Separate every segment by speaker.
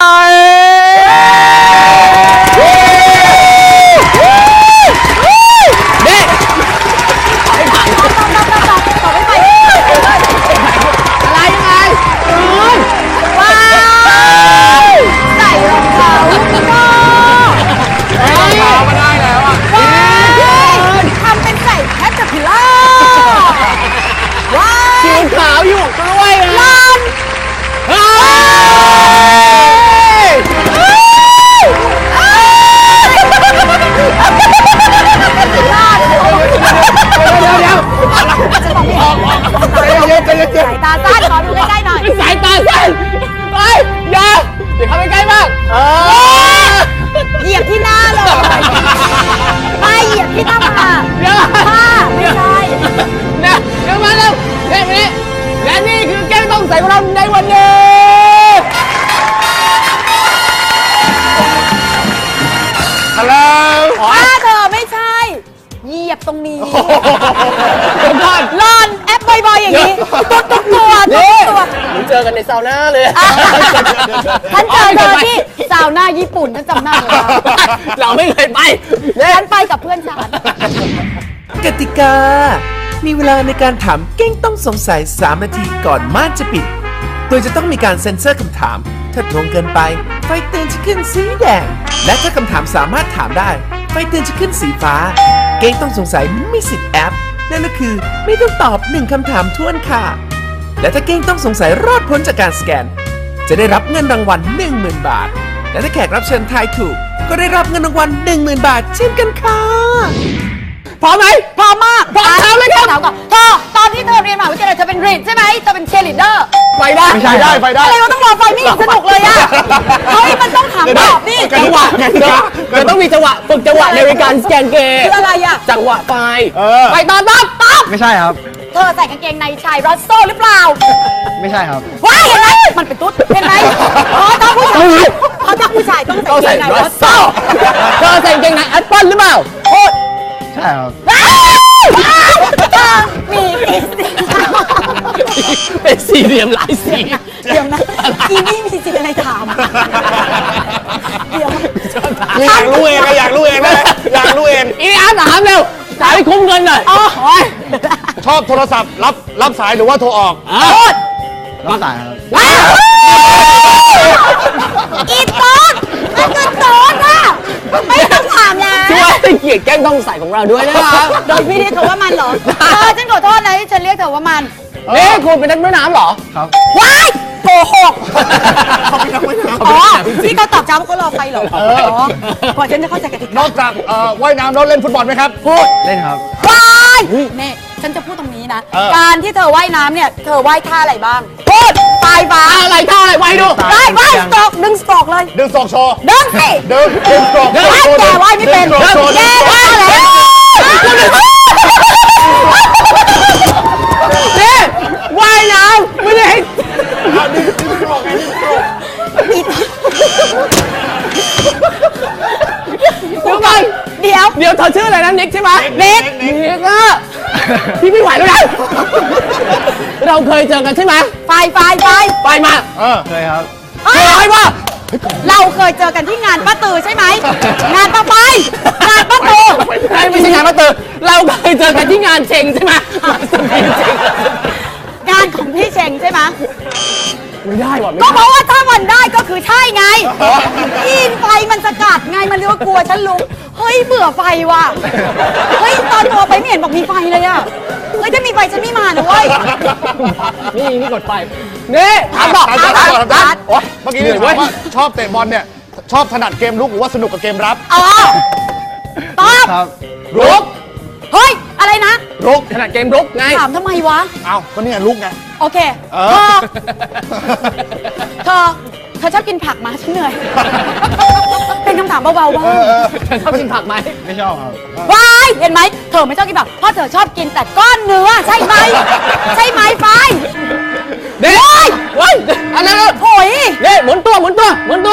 Speaker 1: ตรงนี้ล่อนแอปบ่อยๆอย่างนี้ตัว
Speaker 2: หนูเจอกันในซาวน่าเลย
Speaker 1: ฉันเจอเธอที่ซาวน่าญี่ปุ่นฉันจำหน้าเลย
Speaker 2: เราไม่เคยไป
Speaker 1: ฉันไปกับเพื่อนฉัน
Speaker 3: กติกามีเวลาในการถามเก้งต้องสงสัย3 นาทีก่อนม่านจะปิดโดยจะต้องมีการเซ็นเซอร์คำถามถ้าตรงเกินไปไฟเตือนจะขึ้นสีแดงและถ้าคำถามสามารถถามได้ไฟเตือนจะขึ้นสีฟ้าเก้งต้องสงสัยมีสิทธิ์แอปนั่นก็คือไม่ต้องตอบ1 คำถามท้วนค่ะและถ้าเก้งต้องสงสัยรอดพ้นจากการสแกนจะได้รับเงินรางวัล 10,000 บาทและถ้าแขกรับเชิญทายถูกก็ได้รับเงินรางวัล 10,000 บาทเช่นกันค่ะ
Speaker 2: พร้อมไหม
Speaker 1: พร้อมมาก
Speaker 2: พร้อมแล้วเลยครับ
Speaker 1: เธอตอนที่เธอเรียนมหาวิทยาลัยเธอเป็นรีดใช่ไหมเธอเป็นเชียร์ลีดเดอร์
Speaker 2: ไปได้
Speaker 3: ไม่ใช่ได้ไปได้
Speaker 1: อะไรเราต้องรอไฟไม่สนุกเลยอ่ะเฮ้ยมันต้องถามตอบนี่
Speaker 2: จังหวะมันต้องมีจังหวะฝึกจังหวะในการสแกนเกม
Speaker 1: คืออะไรอ่ะ
Speaker 2: จังหวะไฟไปตอนปั๊บ
Speaker 3: ไม่ใช่ครับ
Speaker 1: เธอใส่กางเกงในชายรัสโซ่หรือเปล่า
Speaker 3: ไม่ใช่ครับ
Speaker 1: ว้ายเห็นไหมมันเป็นตุ๊ดเห็นไหมถ้าผู้ชายต้องใส่กางเกงในรัสโซ่
Speaker 2: เธอใส่กางเกงในแอปเปิ้ลหรือเปล่า
Speaker 3: ใช่ครับ
Speaker 1: มี
Speaker 2: เป็นสี่เหลี่ยมหลายสี
Speaker 1: เดี๋ยวนะอีนี่มีสิทธิ์อะไรถามเดี๋ยว
Speaker 3: อยากรู้เองอยากรู้เองนะอยากรู้เอง
Speaker 2: อีอาร์ถามเร็วจ่ายให้คุ้มเงินหน่อย
Speaker 3: ชอบโทรศัพท์รับสายหรือว่าโทรออกรับสายครับ
Speaker 1: อีต้นมันคือต้นอ่ะไม่ต้องถามแล้ว
Speaker 2: ช่วยให้เกียรติแก้งต้องใส่ของเราด้วยนะครับ
Speaker 1: โดยพี่เรียกเธอว่ามันเหรอฉันขอโทษนะที่ฉันเรียกเธอว่ามัน
Speaker 2: คุณเป็นนักว่ายน้ำเหรอ
Speaker 3: ครับ
Speaker 1: ว้ายโกหกที่เขาตอบจ้าเขารอไฟเหรอกว่าฉันจะเข้าใจกติกาน
Speaker 3: อกจากว่ายน้ำแล้วเล่นฟุตบอลไหมครับ
Speaker 1: พูด
Speaker 3: เล่นครับ
Speaker 1: ว้ายนี่ฉันจะพูดตรงนี้นะการที่เธอว่ายน้ำเนี่ยเธอว่ายท่าอะไรบ้างพูดปลายฟ้า
Speaker 2: อะไรท่าอะไรว่ายดู
Speaker 1: ว่ายสโตรกดึงสโตรกเลย
Speaker 3: ดึงสโตรกโชว์
Speaker 1: ดึงสิ
Speaker 3: ดึงสโตรก
Speaker 1: แกว่ายไม่เป็นแกว่ายแล้ว
Speaker 2: นี่ว่ายน้ำไม่ได้ให้
Speaker 3: ดึงสโตรกไงดึงสโตรก
Speaker 1: เดี๋ยว
Speaker 2: เธอชื่ออะไรนะนิกใช่ไหม
Speaker 1: นิก
Speaker 2: พี่ไม่ไหวแล้วนะเราเคยเจอกันใช่ไหม
Speaker 1: ไฟ
Speaker 2: มา
Speaker 3: เคยครับ
Speaker 2: เคยว่า
Speaker 1: เราเคยเจอกันที่งานป้าตือใช่ไหมงานป้าตือ
Speaker 2: ไม่ใช่งานป้าตือเราเคยเจอกันที่งานเชงใช่ไหม
Speaker 1: งานของพี่เชงใช่ไหม
Speaker 2: ไม่ได้ว่ะ
Speaker 1: ก็เพราะว่าถ้ามันได้ก็คือใช่ไงอินไฟมันสกัดไงมันเรียกว่ากลัวฉันรู้เฮ้ยเบื่อไฟว่ะเฮ้ยตอนตัวไปไม่เห็นบอกมีไฟเลยอ่ะเฮ้ยถ้ามีไฟฉันไม่มานะเว้ย
Speaker 2: นี่กดไฟนี่ถามต่อ
Speaker 3: เมื่อกี้นี่ถามว่าชอบเตะบอลเนี่ยชอบถนัดเกมลุกหรือว่าสนุกกับเกมรับ
Speaker 1: ตอบ
Speaker 3: ครับ
Speaker 2: ลุก
Speaker 1: เฮ้ยอะไรนะ
Speaker 3: ลุก
Speaker 2: ถนัดเกมลุกไง
Speaker 1: ถามทำไมวะ
Speaker 3: อ้าวก็นี่ไงลุกไง
Speaker 1: โอเคเธอชอบกินผักไหมฉันเหนื่อยเป็นคำถามเบาๆบ้าง
Speaker 2: ชอบกินผักไหม
Speaker 3: ไม่ชอบครับ
Speaker 1: ว้ายเห็นไหมเธอไม่ชอบกินผักเพราะเธอชอบกินแต่ก้อนเนื้อใช่ไหมไฟ
Speaker 2: เด็กอะไร
Speaker 1: โอ้ย
Speaker 2: เด็กหมุนตัว
Speaker 1: วัน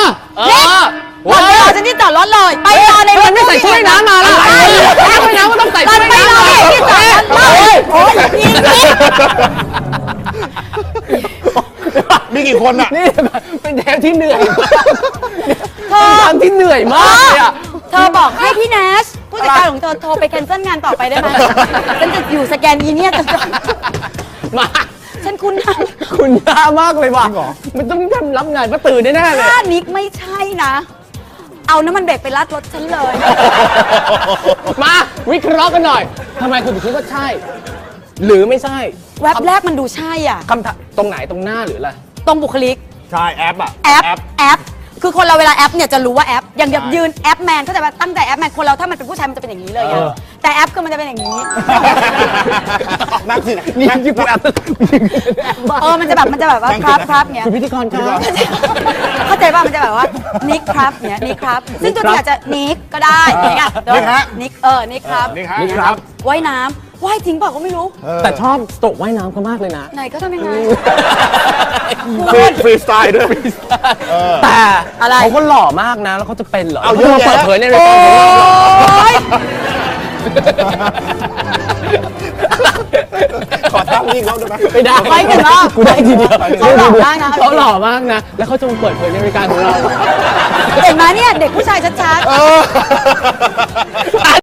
Speaker 1: รอฉันที่จอดรถเลยไปรอในรถ
Speaker 2: ไม่ใส่ชุดว่ายน้ำมาล่ะว่ายน้ำก็ต้องใส่ชุดว่ายน้
Speaker 1: ำที่จอดรถเลยโอ้ย
Speaker 3: มี
Speaker 4: มีกี่คนอ่ะ
Speaker 2: นี่เป็นเทปที่เหนื่อย
Speaker 1: เธอ
Speaker 2: ทำที่เหนื่อยมากเลยอ่ะ
Speaker 1: เธอบอกให้พี่แนชผู้จัดการของเธอโทรไปแคนเซิลงานต่อไปได้ไหมฉันจะอยู่สแกนอีเนี่ยจน
Speaker 2: มา
Speaker 1: ฉันคุ้นหน้า
Speaker 2: คุณยามากเลยว่ะมันต้องทำรับงานป้าตื่นแน่ๆเลย
Speaker 1: ถ้านิกไม่ใช่นะ เอาน้ำมันเบรกไปรัดรถฉันเลย
Speaker 2: มาวิเคราะห์กันหน่อยทำไมคุณถึงคิดว่าใช่ หรือไม่ใช่
Speaker 1: แว็บแรกมันดูใช่อ่ะ
Speaker 2: คำถามตรงไหนตรงหน้าหรืออะไร
Speaker 1: ตรงบุคลิก
Speaker 4: ใช่แอปอ่ะ
Speaker 1: แอป คือคนเราเวลาแอปเนี่ยจะรู้ว่าแอป อย่างแบบยืนแอปแมนก็จะแบบตั้งแต่แอปแมน คนเราถ้ามันเป็นผู้ชายมันจะเป็นอย่างนี้เลยอะแต่แอปคือมันจะเป็นอย่างนี้
Speaker 4: นั่งสิ
Speaker 2: นี่ที่กูแอป
Speaker 1: มันจะแบบว่าครับเงี้ย
Speaker 2: คือพิธีกรครับ
Speaker 1: เข้าใจป่ะมันจะแบบว่านิกครับเนี้ยนิกครับ ซึ่งตัวนี้อาจจะนิกก็ได้อย่างเงี้ยนิกนิกครับ
Speaker 4: นี่ครับ
Speaker 1: ว่ายน้ำว่ายทิ้งเปล่าก็ไม่รู้
Speaker 2: แต่ชอบสโตรกว่ายน้ำเขามากเลยนะ
Speaker 1: ไหนก็ทำยังไง
Speaker 4: ฟรีสไตล์ด้วย
Speaker 2: แต่
Speaker 1: อะไร
Speaker 2: เขาก็หล่อมากนะ แล้วเขาจะเป็นเหรอ
Speaker 4: เอาเยอะแยะ
Speaker 2: เปิดเผยในรายการของเราเหรอ
Speaker 1: โอ๊ย
Speaker 4: ขอท่าวิ่งเขาได้ไหม
Speaker 2: ไม่ได้
Speaker 1: ไปกันรอบ
Speaker 2: กูได้ทีเดียว
Speaker 1: เขาหล่อมากนะ
Speaker 2: เขาหล่อมากนะ แล้วเขาจะมาเปิดเผยในรายการของเรา
Speaker 1: เห็นไหมเนี่ยเด็กผู้ชายชัดๆ